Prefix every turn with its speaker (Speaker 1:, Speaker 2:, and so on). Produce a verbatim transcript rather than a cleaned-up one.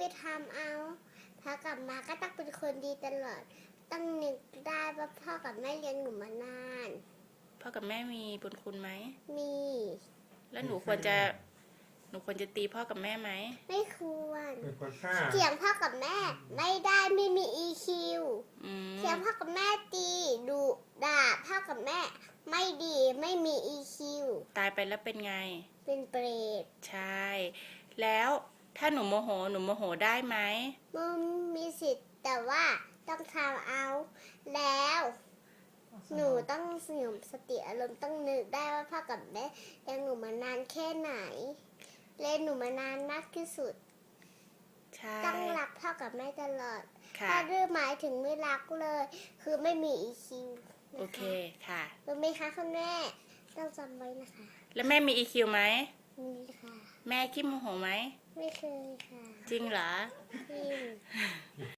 Speaker 1: ทำเอาพอกลับมาก็ต้องเป็นคนดีตลอดต้องนึกได้ว่าพ่อกับแม่เลี้ยงหนูมานาน
Speaker 2: พ่อกับแม่มีบุญคุณไหม
Speaker 1: มี
Speaker 2: แล้วหนูควรจะ หนูควรจะตีพ่อกับแม่ไหม
Speaker 1: ไม่ควร
Speaker 3: เป็นคนฆ่า
Speaker 1: เถียงพ่อกับแม่ไม่ได้ไม่มี อี คิว
Speaker 2: อืม
Speaker 1: เถียงพ่อกับแม่ตีดุด่าพ่อกับแม่ไม่ดีไม่มี อี คิว
Speaker 2: ตายไปแล้วเป็นไง
Speaker 1: เป็นเปรต
Speaker 2: ใช่ แล้วถ้าหนูโมโห หนูโมโหได้ไหม
Speaker 1: มันมีสิทธิ์แต่ว่าต้องทำเอา แล้ว หนูต้องสงบสติอารมณ์ต้องนึกได้ว่าพ่อกับแม่เลี้ยงหนูมานานแค่ไหนเลี้ยงหนูมานานมากที่สุด
Speaker 2: ใช่
Speaker 1: ต้องรักพ่อกับแม่ตลอด
Speaker 2: ค่ะ
Speaker 1: ถ้าดื้อหมายถึงไม่รักเลย คือไม่มี อี คิว
Speaker 2: โอเค ค่ะ
Speaker 1: รู้ไหมคะคุณแม่ต้องจำไว้นะคะ
Speaker 2: แล้วแม่มี อี คิว ไหม
Speaker 1: มีค่ะ
Speaker 2: แม่ขี้โมโหไหม
Speaker 1: ไม่เคยค่ะ
Speaker 2: จริงเหรอ
Speaker 1: จริง